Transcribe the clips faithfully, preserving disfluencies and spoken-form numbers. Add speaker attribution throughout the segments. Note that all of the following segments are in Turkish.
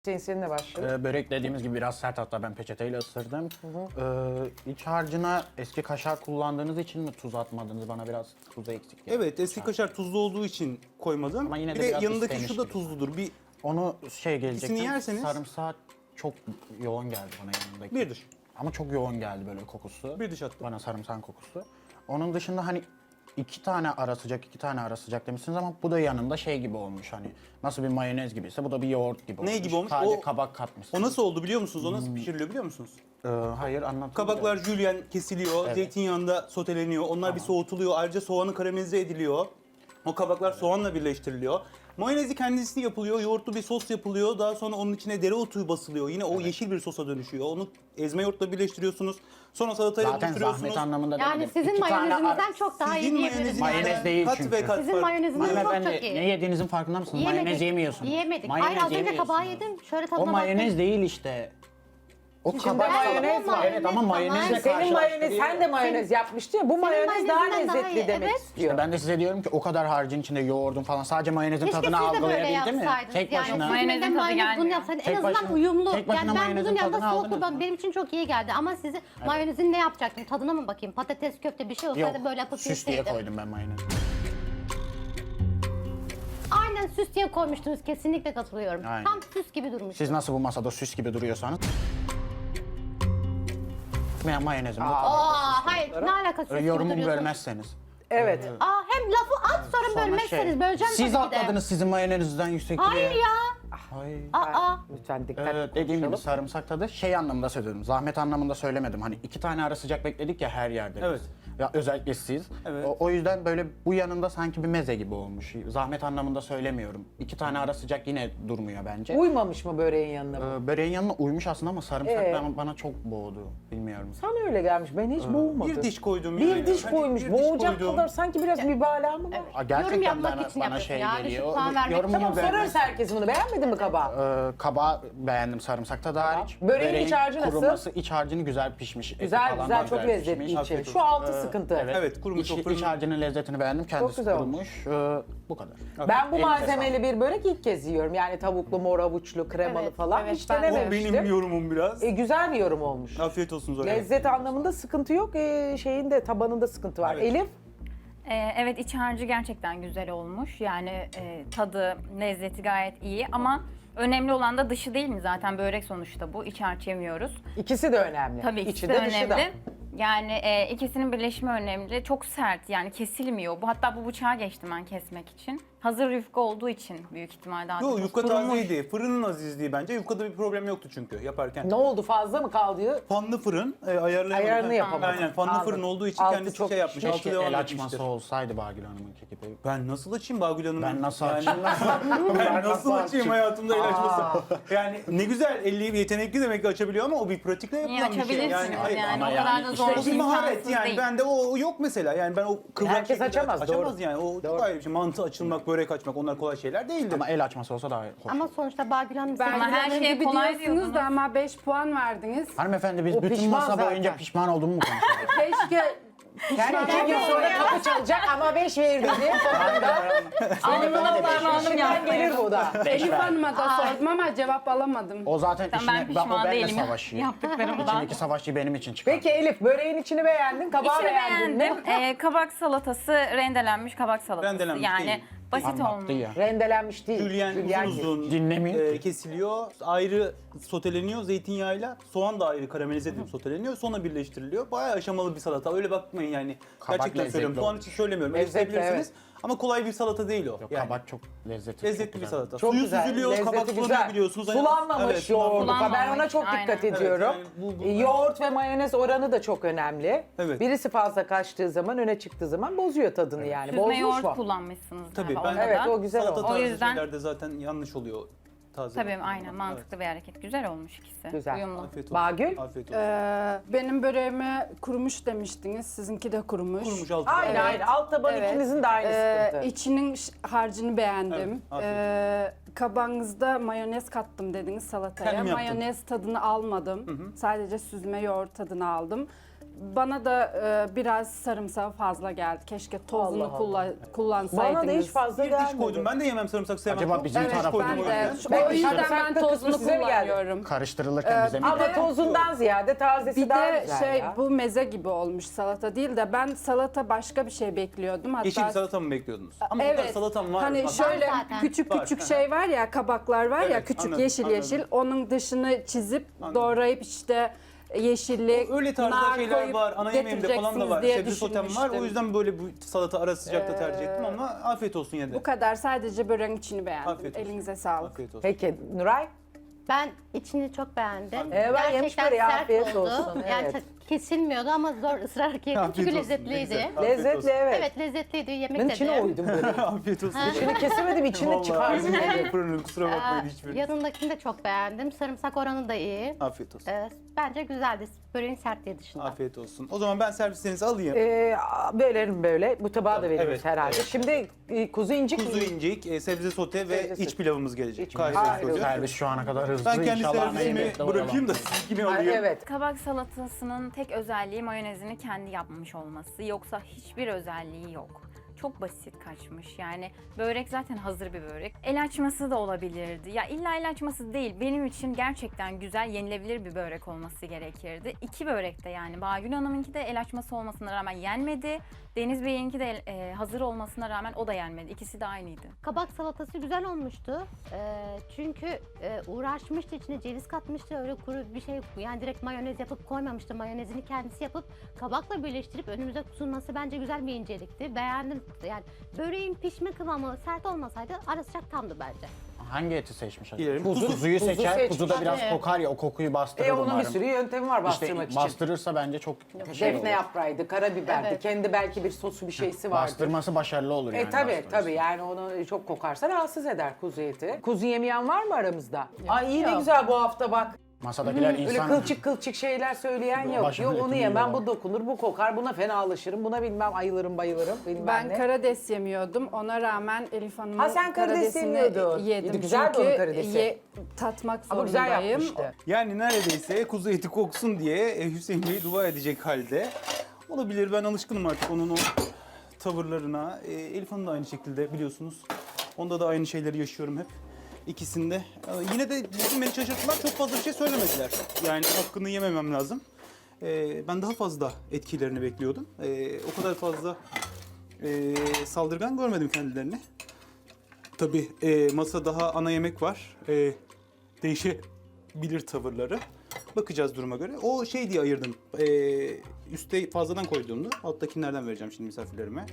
Speaker 1: Hüseyin seninle başlayalım.
Speaker 2: Ee, börek dediğimiz gibi biraz sert, hatta ben peçeteyle ısırdım. Ee, iç harcına eski kaşar kullandığınız için mi tuz atmadınız? Bana biraz tuzu eksik geldi.
Speaker 3: Evet, eski kaşar tuzlu olduğu için koymadım.
Speaker 2: Ama yine de
Speaker 3: bir de
Speaker 2: biraz
Speaker 3: yanındaki
Speaker 2: istemiş
Speaker 3: şu da
Speaker 2: gibi.
Speaker 3: tuzludur. Bir
Speaker 2: Onu şey gelecektim.
Speaker 3: İkisini yerseniz-
Speaker 2: Sarımsak çok yoğun geldi bana yanındaki.
Speaker 3: bir diş.
Speaker 2: Ama çok yoğun geldi böyle kokusu.
Speaker 3: Bir diş attım.
Speaker 2: Bana sarımsak kokusu. Onun dışında hani iki tane ara sıcak, iki tane ara sıcak demişsiniz ama bu da yanında şey gibi olmuş, hani nasıl bir mayonez gibiyse bu da bir yoğurt gibi olmuş.
Speaker 3: Ne gibi olmuş?
Speaker 2: Sadece
Speaker 3: O-
Speaker 2: kabak katmışsınız.
Speaker 3: O nasıl oldu biliyor musunuz? O
Speaker 2: Hmm.
Speaker 3: nasıl pişiriliyor biliyor musunuz?
Speaker 2: Ee, hayır anlatın.
Speaker 3: Kabaklar jülyen kesiliyor,
Speaker 2: Evet.
Speaker 3: zeytinyağında soteleniyor. Onlar bir soğutuluyor. Ayrıca soğanı karamelize ediliyor. O kabaklar soğanla birleştiriliyor. Mayonezi kendisi yapılıyor, yoğurtlu bir sos yapılıyor. Daha sonra onun içine dereotu basılıyor. Yine o yeşil bir sosa dönüşüyor. Onu ezme yoğurtla birleştiriyorsunuz. Sonra salatayla
Speaker 2: Zaten
Speaker 3: buluşturuyorsunuz.
Speaker 2: zahmet anlamında
Speaker 4: Yani
Speaker 2: demedim.
Speaker 4: sizin
Speaker 2: İki tane
Speaker 4: mayonezinizden
Speaker 2: ara-
Speaker 4: çok daha iyi
Speaker 3: Sizin
Speaker 4: diyebiliriz.
Speaker 3: mayoneziniz-
Speaker 2: Mayonez değil
Speaker 3: kat
Speaker 2: çünkü.
Speaker 3: ve kat
Speaker 4: Sizin
Speaker 3: farklı.
Speaker 4: mayoneziniz çok
Speaker 2: Hanımefendi,
Speaker 4: çok iyi.
Speaker 2: ne yediğinizin farkında mısınız? Mayonez yemiyorsunuz.
Speaker 4: Yemedik.
Speaker 2: Mayonez
Speaker 4: Hayır az önce
Speaker 2: yemiyorsunuz.
Speaker 4: kabağı yedim. Şöyle
Speaker 2: O
Speaker 4: tadına
Speaker 2: mayonez
Speaker 4: baktım.
Speaker 2: değil işte. O
Speaker 1: İçinde
Speaker 2: kabak
Speaker 1: mayonez
Speaker 2: salatası.
Speaker 1: var.
Speaker 2: Evet ama mayonezle
Speaker 4: Senin
Speaker 1: Senin mayonez,
Speaker 2: karşılaştırıyor.
Speaker 1: sen de mayonez yapmıştın ya. Bu mayonez daha
Speaker 4: mayonezinden daha
Speaker 1: lezzetli
Speaker 4: iyi,
Speaker 1: demek
Speaker 4: evet.
Speaker 1: istiyor.
Speaker 2: İşte ben de size diyorum ki o kadar harcın içinde yoğurdun falan, sadece mayonezin
Speaker 4: Keşke
Speaker 2: tadını
Speaker 4: siz de böyle
Speaker 2: algılayabildi mi?
Speaker 4: yapsaydınız.
Speaker 2: Tek
Speaker 4: Yani
Speaker 2: başına.
Speaker 4: mayonezin
Speaker 5: Mayonezin tadı
Speaker 4: mayonez bunu
Speaker 5: gelmiyor.
Speaker 4: yapsaydın en
Speaker 2: Tek
Speaker 4: azından
Speaker 2: başına-
Speaker 4: uyumlu.
Speaker 2: tek başına
Speaker 4: Yani ben
Speaker 2: mayonezin
Speaker 4: bunun yanında
Speaker 2: tadını
Speaker 4: soğuk
Speaker 2: aldınız
Speaker 4: kullanım
Speaker 2: mı?
Speaker 4: benim için çok iyi geldi. Ama sizi mayonezin ne yapacaktım? Tadına mı bakayım? Patates köfte bir şey olsaydı
Speaker 2: Yok,
Speaker 4: böyle yapıp
Speaker 2: süs diye
Speaker 4: yeseydim.
Speaker 2: koydum ben mayonezi.
Speaker 4: Aynen süs diye koymuştunuz. Kesinlikle katılıyorum.
Speaker 2: Aynen.
Speaker 4: Tam süs gibi durmuş.
Speaker 2: Siz nasıl bu masada süs gibi duruyorsanız. Ben mayonezim.
Speaker 4: Aa hayır ne alakası süs
Speaker 2: Öyle
Speaker 4: gibi
Speaker 2: yorumumu
Speaker 4: duruyorsun?
Speaker 2: bölmezseniz.
Speaker 1: Evet.
Speaker 4: Aa hem lafı at sonra
Speaker 2: Sonra
Speaker 4: bölmezseniz
Speaker 2: şey,
Speaker 4: böleceğim
Speaker 2: siz
Speaker 4: tabii ki de.
Speaker 2: atladınız sizin mayonezinizden yüksek diye.
Speaker 4: Hayır ya.
Speaker 2: Hayır.
Speaker 4: Aa.
Speaker 1: Lütfen dikkat
Speaker 2: Ee, dediğim gibi
Speaker 1: konuşalım.
Speaker 2: sarımsak tadı şey anlamında söylüyorum. Zahmet anlamında söylemedim. Hani iki tane ara sıcak bekledik ya her yerde. biz.
Speaker 3: Evet.
Speaker 2: Ya özellikle siz.
Speaker 3: Evet.
Speaker 2: O, o yüzden böyle bu yanında sanki bir meze gibi olmuş. Zahmet anlamında söylemiyorum. İki tane ara sıcak yine durmuyor bence.
Speaker 1: Uymamış mı böreğin yanına bu?
Speaker 2: Ee, böreğin yanına uymuş aslında ama sarımsak
Speaker 1: Ee?
Speaker 2: bana, bana çok boğdu. Bilmiyorum.
Speaker 1: Sana öyle gelmiş. Ben hiç boğulmadım.
Speaker 3: Bir diş koydum.
Speaker 1: Bir
Speaker 3: yani.
Speaker 1: diş
Speaker 3: Hani
Speaker 1: koymuş.
Speaker 3: bir diş
Speaker 1: Boğacak
Speaker 3: koydum.
Speaker 1: kadar sanki biraz mübalağa mı var?
Speaker 2: Aa,
Speaker 4: Yorum
Speaker 2: gerçekten
Speaker 4: yapmak
Speaker 2: bana,
Speaker 4: için
Speaker 2: bana
Speaker 4: yapıyorsun
Speaker 2: şey
Speaker 4: ya, düşük
Speaker 2: geliyor.
Speaker 4: puan vermek
Speaker 2: Yorumumu
Speaker 4: için.
Speaker 1: Tamam
Speaker 2: vermem.
Speaker 1: sorarız herkes bunu. Beğenmedin mi kabağı?
Speaker 2: Ee, kabağı beğendim, sarımsakta da hariç.
Speaker 1: Böreğin iç harcı nasıl?
Speaker 2: Kuruması, iç harcını güzel pişmiş. Eti
Speaker 1: Güzel
Speaker 2: falan
Speaker 1: güzel
Speaker 2: da
Speaker 1: çok lezzetli
Speaker 2: pişmiş.
Speaker 1: içi.
Speaker 3: Afiyet
Speaker 1: Şu
Speaker 3: olsun.
Speaker 1: altı sıkıntı.
Speaker 3: Evet, kurumuş
Speaker 2: İç,
Speaker 3: o fırın-
Speaker 2: iç harcının lezzetini beğendim. Kendisi
Speaker 1: güzel
Speaker 2: kurumuş. Ee, bu kadar.
Speaker 1: Ben bu
Speaker 2: Elinize
Speaker 1: malzemeli bir börek ilk kez yiyorum. Yani tavuklu, mor avuçlu, kremalı
Speaker 4: Evet,
Speaker 1: falan.
Speaker 4: evet,
Speaker 1: Hiç
Speaker 4: ben de.
Speaker 3: O
Speaker 1: denememiştim.
Speaker 3: benim yorumum biraz.
Speaker 1: E, güzel bir yorum olmuş.
Speaker 3: Afiyet olsun Zoya.
Speaker 1: Lezzet anlamında sıkıntı yok. E, şeyinde tabanında sıkıntı var.
Speaker 3: Evet.
Speaker 1: Elif
Speaker 5: Ee, evet iç harcı gerçekten güzel olmuş. Yani e, tadı, lezzeti gayet iyi ama önemli olan da dışı değil mi? Zaten börek sonuçta bu. İç harç yemiyoruz.
Speaker 1: ikisi de önemli.
Speaker 5: Tabii ikisi
Speaker 1: İçi
Speaker 5: de
Speaker 1: dışı da.
Speaker 5: önemli. Yani e, ikisinin birleşimi önemli. Çok sert yani kesilmiyor. Bu hatta bu bıçağı geçtim ben kesmek için. Hazır yufka olduğu için büyük ihtimal daha
Speaker 3: Yok
Speaker 5: çok
Speaker 3: yufka
Speaker 5: kurumuş.
Speaker 3: tazeydi. Fırının azizliği bence. Yufkada bir problem yoktu çünkü yaparken.
Speaker 1: Ne oldu fazla mı kaldı?
Speaker 3: Fanlı fırın e, ayarlayamadım.
Speaker 1: Ayarını
Speaker 3: Ha,
Speaker 1: yapamadım.
Speaker 3: Aynen fanlı
Speaker 1: Anladım.
Speaker 3: fırın olduğu için
Speaker 1: Altı
Speaker 3: kendisi
Speaker 1: çok
Speaker 3: şey yapmış. Altı
Speaker 2: Keşke
Speaker 3: devam
Speaker 2: el
Speaker 3: etmiştir.
Speaker 2: açması olsaydı Bagül Hanım'ınki gibi.
Speaker 3: Ben nasıl açayım Bagül Hanım?
Speaker 2: Ben nasıl
Speaker 3: Yani-
Speaker 2: açayım?
Speaker 3: Ben nasıl açayım hayatımda el açması? Yani ne güzel, elli yetenekli demek ki açabiliyor ama o bir pratikle
Speaker 5: Niye
Speaker 3: yapılan bir şey.
Speaker 5: açabilirsiniz yani,
Speaker 3: hayır,
Speaker 5: o
Speaker 2: ama
Speaker 5: kadar
Speaker 2: yani
Speaker 5: da
Speaker 2: işte
Speaker 5: zor
Speaker 3: o bir maharet
Speaker 5: imkansız
Speaker 3: yani.
Speaker 5: değil.
Speaker 3: Bende o, o yok mesela. Yani ben o kıvrak
Speaker 1: Herkes
Speaker 3: şekilde
Speaker 1: açamaz,
Speaker 3: Açamaz
Speaker 1: doğru.
Speaker 3: yani. O çok ayrı bir şey. Mantı açılmak, börek açmak onlar kolay şeyler değildir.
Speaker 2: Ama el açması olsa daha hoş.
Speaker 4: Ama sonuçta Bagül Hanım
Speaker 5: Ama
Speaker 4: senin
Speaker 5: her
Speaker 4: üzerine
Speaker 5: şey
Speaker 4: gibi
Speaker 5: kolay
Speaker 4: diyorsunuz
Speaker 5: diyordunuz.
Speaker 6: da ama beş puan verdiniz.
Speaker 2: Hanımefendi biz
Speaker 1: O
Speaker 2: bütün
Speaker 1: pişman
Speaker 2: masa
Speaker 1: zaten.
Speaker 2: boyunca pişman olduğumu mu konuşuyoruz?
Speaker 6: Keşke
Speaker 1: Yani iki gün sonra kapı çalacak ama beş ver dedi.
Speaker 5: Alnına parmağınım
Speaker 1: İçinden
Speaker 5: yaptım.
Speaker 1: gelir bu da.
Speaker 2: Beş
Speaker 6: Elif
Speaker 2: ver.
Speaker 6: Hanım'a da sordum ama cevap alamadım.
Speaker 2: O zaten
Speaker 5: Ben
Speaker 2: işine, ben, o
Speaker 5: pişman
Speaker 2: benimle
Speaker 5: değilim
Speaker 2: savaşıyor.
Speaker 5: yaptıklarımdan.
Speaker 2: İçindeki savaşçıyı benim için çıkar.
Speaker 1: Peki Elif böreğin içini beğendin, kabağı
Speaker 5: İçini
Speaker 1: beğendin
Speaker 5: beğendim.
Speaker 1: mi?
Speaker 5: Ee, kabak salatası, rendelenmiş kabak salatası.
Speaker 3: Rendelenmiş
Speaker 5: yani
Speaker 3: değil.
Speaker 5: basit
Speaker 2: Anlattı
Speaker 5: olmuş.
Speaker 2: ya.
Speaker 1: Rendelenmiş değil.
Speaker 3: Jülyen
Speaker 1: Jülyen
Speaker 3: uzun uzun
Speaker 2: Dinlemiyor
Speaker 3: e,
Speaker 2: ki.
Speaker 3: kesiliyor. Ayrı soteleniyor zeytinyağıyla. Soğan da ayrı karamelize edilip soteleniyor. Sonra birleştiriliyor. Bayağı aşamalı bir salata. Öyle bakmayın yani.
Speaker 2: Kabak
Speaker 3: Gerçekten
Speaker 2: lezzetli
Speaker 3: söylüyorum. Soğan
Speaker 2: olmuş.
Speaker 3: için söylemiyorum.
Speaker 1: Lezzetli,
Speaker 3: Eleştirebilirsiniz. Ama kolay bir salata değil o.
Speaker 2: Yok,
Speaker 3: yani.
Speaker 2: kabak çok lezzetli.
Speaker 3: Lezzetli
Speaker 2: çok
Speaker 3: bir
Speaker 2: güzel.
Speaker 3: salata.
Speaker 1: Çok
Speaker 3: Suyu
Speaker 1: güzel,
Speaker 3: süzülüyor,
Speaker 1: lezzeti
Speaker 3: kabak
Speaker 1: güzel.
Speaker 3: sulanıyor biliyorsunuz. Hani-
Speaker 1: Sulanmamış
Speaker 3: Evet,
Speaker 1: yoğurdu.
Speaker 5: sulanmamış.
Speaker 1: Ben ona çok
Speaker 5: Aynen.
Speaker 1: dikkat
Speaker 5: Evet,
Speaker 1: ediyorum.
Speaker 3: yani bu- bu-
Speaker 1: Yoğurt ve mayonez oranı da çok önemli.
Speaker 3: Evet.
Speaker 1: Birisi fazla kaçtığı zaman, öne çıktığı zaman bozuyor tadını yani.
Speaker 5: Süzme
Speaker 1: Bozmuş
Speaker 5: yoğurt
Speaker 1: mu?
Speaker 5: kullanmışsınız
Speaker 3: Tabii
Speaker 5: galiba
Speaker 3: ben
Speaker 5: onda
Speaker 1: Evet,
Speaker 5: da.
Speaker 1: o güzel
Speaker 3: salata
Speaker 1: oldu.
Speaker 5: O
Speaker 3: tarzı
Speaker 5: yüzden-
Speaker 3: şeylerde zaten yanlış oluyor. Taze.
Speaker 5: Tabii aynen mantıklı bir hareket. Güzel olmuş ikisi.
Speaker 1: Güzel.
Speaker 5: Uyumlu.
Speaker 3: Afiyet olsun.
Speaker 1: Bagül?
Speaker 3: Afiyet olsun.
Speaker 6: Ee, benim böreğime kurumuş demiştiniz. Sizinki de kurumuş.
Speaker 3: Kurumuş altı.
Speaker 1: Aynı
Speaker 6: Evet.
Speaker 1: aynı. Alt taban
Speaker 6: Evet.
Speaker 1: ikinizin de aynı
Speaker 6: Ee,
Speaker 1: sıkıntı.
Speaker 6: içinin ş- harcını beğendim.
Speaker 3: Evet, afiyet
Speaker 6: Ee, kabağınızda mayonez kattım dediniz salataya.
Speaker 3: Kendim yaptım.
Speaker 6: Mayonez tadını almadım. Sadece süzme yoğurt tadını aldım. bana da e, biraz sarımsağı fazla geldi. Keşke tozunu
Speaker 1: Allah
Speaker 6: kulla-
Speaker 1: Bana
Speaker 6: kullansaydınız.
Speaker 1: da hiç fazla
Speaker 3: Bir diş
Speaker 1: gelmedi.
Speaker 3: koydum. Ben de yemem sarımsak sevmem.
Speaker 2: Acaba bizim
Speaker 3: Ben de hiç
Speaker 2: tarafı-
Speaker 3: koydum
Speaker 6: Ben
Speaker 3: o
Speaker 6: de.
Speaker 3: yüzden.
Speaker 1: Ben
Speaker 6: O yüzden ben
Speaker 1: sarımsaklı kısmı
Speaker 6: tozunu
Speaker 1: size mi geldi?
Speaker 6: kullanıyorum.
Speaker 2: Karıştırılırken bize mi
Speaker 1: Ama
Speaker 2: geldi?
Speaker 1: tozundan ziyade tazesi
Speaker 6: Bir
Speaker 1: daha
Speaker 6: de
Speaker 1: güzel
Speaker 6: şey
Speaker 1: ya.
Speaker 6: bu meze gibi olmuş, salata değil de ben salata başka bir şey bekliyordum. Hatta
Speaker 3: Yeşil bir salata mı bekliyordunuz? Ama bu kadar
Speaker 6: evet.
Speaker 3: salatam var.
Speaker 6: Hani
Speaker 3: Bak,
Speaker 6: şöyle
Speaker 4: zaten.
Speaker 6: küçük
Speaker 3: Var.
Speaker 6: küçük şey var ya, kabaklar var ya,
Speaker 3: Evet,
Speaker 6: küçük
Speaker 3: anladım,
Speaker 6: yeşil
Speaker 3: anladım.
Speaker 6: yeşil. Onun dışını çizip
Speaker 3: Anladım.
Speaker 6: doğrayıp işte yeşillik,
Speaker 3: Öyle
Speaker 6: nar
Speaker 3: tarzda şeyler
Speaker 6: koyup
Speaker 3: var. Ana yemeğimde falan da
Speaker 6: getireceksiniz
Speaker 3: var.
Speaker 6: diye
Speaker 3: Sebze sotem var. O
Speaker 6: düşünmüştüm.
Speaker 3: yüzden böyle bu salata ara sıcakta tercih ettim ama afiyet olsun yine de.
Speaker 6: Bu kadar, sadece böreğin içini beğendim.
Speaker 3: Afiyet olsun.
Speaker 6: Elinize sağlık.
Speaker 3: Afiyet olsun.
Speaker 1: Peki Nuray?
Speaker 4: Ben içini çok beğendim.
Speaker 1: Ee, ben yemiş
Speaker 4: Gerçekten
Speaker 1: böreği,
Speaker 4: sert
Speaker 1: afiyet
Speaker 4: oldu.
Speaker 1: olsun,
Speaker 4: Yani
Speaker 1: evet.
Speaker 4: çok kesilmiyordu ama zor ısrarla yedim
Speaker 3: Afiyet
Speaker 4: çünkü
Speaker 3: olsun, ne
Speaker 4: lezzetliydi.
Speaker 3: güzel. Afiyet
Speaker 1: Lezzetli
Speaker 3: olsun.
Speaker 1: evet.
Speaker 4: Evet lezzetliydi. Yemek
Speaker 1: Ben
Speaker 4: de
Speaker 1: içine
Speaker 4: de.
Speaker 1: uydum böyle.
Speaker 3: Afiyet olsun.
Speaker 1: İçini kesemedim, içini çıkardım.
Speaker 3: Vallahi fırının kusura
Speaker 4: Aa,
Speaker 3: bakmayın hiçbir.
Speaker 4: yanındakini de çok beğendim. Sarımsak oranı da iyi.
Speaker 3: Afiyet olsun.
Speaker 4: Ee, bence güzeldi. Böreğin sertliği dışında.
Speaker 3: Afiyet olsun. O zaman ben servislerinizi alayım.
Speaker 1: Ee, bölerim böyle. Bu tabağa da veriyoruz
Speaker 3: Evet,
Speaker 1: herhalde.
Speaker 3: evet.
Speaker 1: Şimdi e, kuzu incik
Speaker 3: Kuzu
Speaker 1: mi?
Speaker 3: incik, e, sebze sote ve
Speaker 1: Sebze
Speaker 3: iç
Speaker 1: sote.
Speaker 3: pilavımız gelecek.
Speaker 1: İç
Speaker 3: Kayseri
Speaker 1: pilav.
Speaker 3: usulü.
Speaker 2: Servis şu ana kadar hızlı.
Speaker 3: Ben kendi
Speaker 2: İnşallah ana
Speaker 3: servisimi
Speaker 2: yemekte
Speaker 3: bırakayım da
Speaker 2: oyalanmayız.
Speaker 3: sizinkini
Speaker 1: Ha,
Speaker 3: alayım.
Speaker 1: evet.
Speaker 5: Kabak salatasının tek özelliği mayonezini kendi yapmış olması. Yoksa hiçbir özelliği yok. Çok basit kaçmış. Yani börek zaten hazır bir börek. El açması da olabilirdi. Ya illa el açması değil. Benim için gerçekten güzel, yenilebilir bir börek olması gerekirdi. İki börek de yani. Bağgül Hanım'ınki de el açması olmasına rağmen yenmedi. Deniz Bey'inki de e, hazır olmasına rağmen o da yenmedi. İkisi de aynıydı.
Speaker 4: Kabak salatası güzel olmuştu. Ee, çünkü e, uğraşmıştı, içine ceviz katmıştı. Öyle kuru bir şey, yani direkt mayonez yapıp koymamıştı. Mayonezini kendisi yapıp kabakla birleştirip önümüze sunması bence güzel bir incelikti. Beğendim. Yani böreğin pişme kıvamı sert olmasaydı ara sıcak tamdı bence.
Speaker 2: Hangi eti seçmiş acaba?
Speaker 3: Dilerim.
Speaker 2: Kuzu,
Speaker 3: Kuzu-
Speaker 2: kuzuyu
Speaker 1: kuzu
Speaker 2: seçer.
Speaker 1: seçmiş.
Speaker 2: Kuzu da biraz
Speaker 4: Tabii.
Speaker 2: kokar ya, o kokuyu bastırır
Speaker 1: E onun
Speaker 2: umarım.
Speaker 1: bir sürü yöntemi var
Speaker 2: İşte
Speaker 1: bastırmak için.
Speaker 2: bastırırsa bence çok şey
Speaker 1: Defne
Speaker 2: olur.
Speaker 1: yaprağıydı, karabiberdi.
Speaker 4: Evet.
Speaker 1: Kendi belki bir sosu bir şeysi vardı.
Speaker 2: Bastırması başarılı olur yani.
Speaker 1: E tabii
Speaker 2: bastırırsa.
Speaker 1: tabii yani onu çok kokarsa rahatsız eder kuzu eti. Kuzu yemeyen var mı aramızda? Ay iyi ne güzel bu hafta bak.
Speaker 2: Masadakiler
Speaker 1: Öyle
Speaker 2: insan...
Speaker 1: kılçık kılçık şeyler söyleyen yok.
Speaker 2: Başımın
Speaker 1: Yok onu
Speaker 2: etini
Speaker 1: yemem,
Speaker 2: yiyorlar.
Speaker 1: bu dokunur, bu kokar, buna fenalaşırım, buna bilmem ayılırım bayılırım. Bilmem
Speaker 6: Ben
Speaker 1: ne.
Speaker 6: karides yemiyordum. Ona rağmen Elif Hanım'ın
Speaker 1: Ha, sen karides
Speaker 6: karidesini
Speaker 1: yemiyordun.
Speaker 6: yedim.
Speaker 1: Güzeldi
Speaker 6: Çünkü
Speaker 1: onun karidesi.
Speaker 6: ye- tatmak
Speaker 1: Ama güzel
Speaker 6: zorundayım.
Speaker 1: yapmıştı.
Speaker 3: Yani neredeyse kuzu eti koksun diye e, Hüseyin Bey dua edecek halde. Olabilir, ben alışkınım artık onun o tavırlarına. E, Elif Hanım da aynı şekilde biliyorsunuz. Onda da aynı şeyleri yaşıyorum hep. İkisinde. E, yine de bizim beni şaşırttılar, çok fazla bir şey söylemediler. Yani hakkını yememem lazım. E, ben daha fazla etkilerini bekliyordum. E, o kadar fazla e, saldırgan görmedim kendilerini. Tabii e, masa daha ana yemek var. E, değişebilir tavırları. Bakacağız duruma göre. O şey diye ayırdım. E, üste fazladan koyduğumda alttakilerden vereceğim şimdi misafirlerime.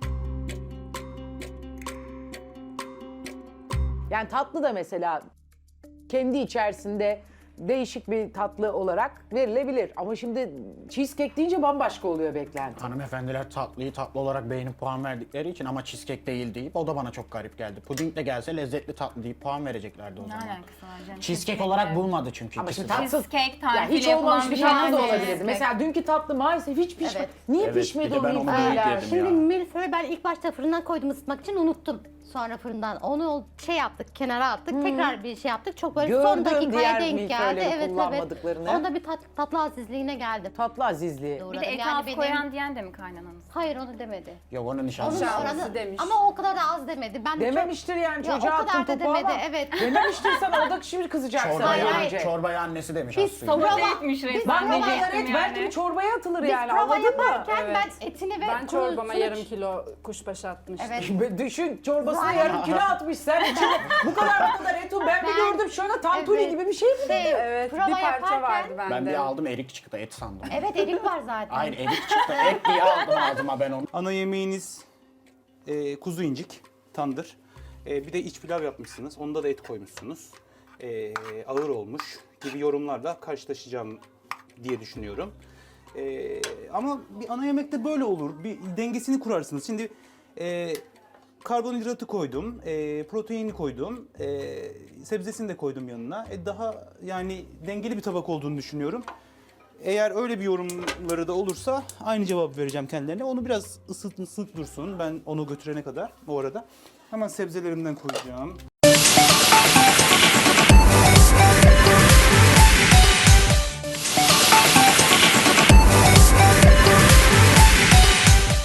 Speaker 1: Yani tatlı da mesela kendi içerisinde değişik bir tatlı olarak verilebilir. Ama şimdi cheesecake deyince bambaşka oluyor beklenti.
Speaker 2: Hanımefendiler tatlıyı tatlı olarak beğenip puan verdikleri için ama cheesecake değil deyip o da bana çok garip geldi. Puding de gelse lezzetli tatlı deyip puan vereceklerdi o
Speaker 5: Ne
Speaker 2: zaman.
Speaker 5: alakası var canım?
Speaker 2: Cheesecake olarak bulmadı çünkü
Speaker 1: Ama
Speaker 2: ikisi
Speaker 1: şimdi
Speaker 2: de.
Speaker 1: tatsız.
Speaker 5: Cheesecake
Speaker 1: Ya
Speaker 5: tarifiyle
Speaker 1: hiç olmamış
Speaker 5: yapılan
Speaker 1: bir
Speaker 5: bir
Speaker 1: tatlı da
Speaker 5: tane
Speaker 1: olabilirdi.
Speaker 5: cheesecake.
Speaker 1: Mesela dünkü tatlı maalesef hiç pişmedi.
Speaker 4: Evet.
Speaker 1: Niye
Speaker 2: Evet,
Speaker 1: pişmedi
Speaker 2: bir de
Speaker 1: o
Speaker 2: ben onu
Speaker 1: milföyler?
Speaker 2: yedim
Speaker 4: Şimdi
Speaker 2: ya.
Speaker 4: milföy ben ilk başta fırından koydum ısıtmak için, unuttum. Sonra fırından onu şey yaptık, kenara attık. Tekrar bir şey yaptık. Çok böyle son
Speaker 1: Gördüm
Speaker 4: dakikaya
Speaker 1: diğer
Speaker 4: denk geldi.
Speaker 1: milföyleri
Speaker 4: Evet
Speaker 1: kullanmadıklarını.
Speaker 4: evet. Onda bir tat, tatlı azizliğine geldim.
Speaker 1: Tatlı azizliği.
Speaker 5: Bir de et
Speaker 4: Yani
Speaker 5: az
Speaker 4: benim-
Speaker 5: koyan diyen de mi kaynananız?
Speaker 4: Hayır onu demedi.
Speaker 2: Yok onun
Speaker 4: Onun
Speaker 2: nişanlısı.
Speaker 6: Nişanlısı
Speaker 4: oranı
Speaker 6: demiş.
Speaker 4: ama o kadar da az demedi. Ben de çok-
Speaker 1: Dememiştir yani
Speaker 4: Ya o
Speaker 1: çocuğa
Speaker 4: kadar
Speaker 1: attın
Speaker 4: da
Speaker 1: topu
Speaker 4: demedi,
Speaker 1: ama.
Speaker 4: evet.
Speaker 1: Dememiştir sana, o da şimdi kızacak sana
Speaker 4: Hayır,
Speaker 2: Çorbayı,
Speaker 4: hayır.
Speaker 1: önce.
Speaker 2: çorbayı annesi demiş
Speaker 4: Biz
Speaker 2: aslında.
Speaker 4: prova,
Speaker 5: Prova etmiş resmen.
Speaker 1: Ben ne
Speaker 5: diyecektim
Speaker 1: evet
Speaker 5: yani.
Speaker 1: belki bir çorbaya atılır
Speaker 4: biz
Speaker 1: yani
Speaker 4: prova
Speaker 1: anladın mı?
Speaker 4: yaparken
Speaker 6: Evet.
Speaker 4: ben etini ve
Speaker 6: Ben çorbama
Speaker 4: kurusunu-
Speaker 6: yarım kilo kuşbaşı atmıştım.
Speaker 4: Evet.
Speaker 1: Düşün çorbasına
Speaker 4: Zaten-
Speaker 1: yarım kilo atmış sen içine. Bu kadar bu kadar et o. Ben bir
Speaker 4: Ben-
Speaker 1: gördüm şöyle tantuni
Speaker 4: Evet.
Speaker 1: gibi bir şey mi?
Speaker 4: Şey,
Speaker 6: Evet,
Speaker 4: prova
Speaker 6: bir parça
Speaker 4: yaparken-
Speaker 6: vardı bende.
Speaker 2: Ben bir aldım erik çıktı et sandım.
Speaker 4: Evet erik var zaten.
Speaker 2: Hayır erik çıktı et diye aldım ağzıma ben onu.
Speaker 3: Ana yemeğiniz e, kuzu incik, tandır. E, bir de iç pilav yapmışsınız. Onda da et koymuşsunuz. E, ağır olmuş gibi yorumlarla karşılaşacağım diye düşünüyorum. E, ama bir ana yemekte böyle olur. Bir dengesini kurarsınız. Şimdi e, karbonhidratı koydum, e, proteini koydum, e, sebzesini de koydum yanına. E, daha yani dengeli bir tabak olduğunu düşünüyorum. Eğer öyle bir yorumları da olursa aynı cevabı vereceğim kendilerine. Onu biraz ısıt, ısıt dursun. Ben onu götürene kadar o arada. Hemen sebzelerimden koyacağım.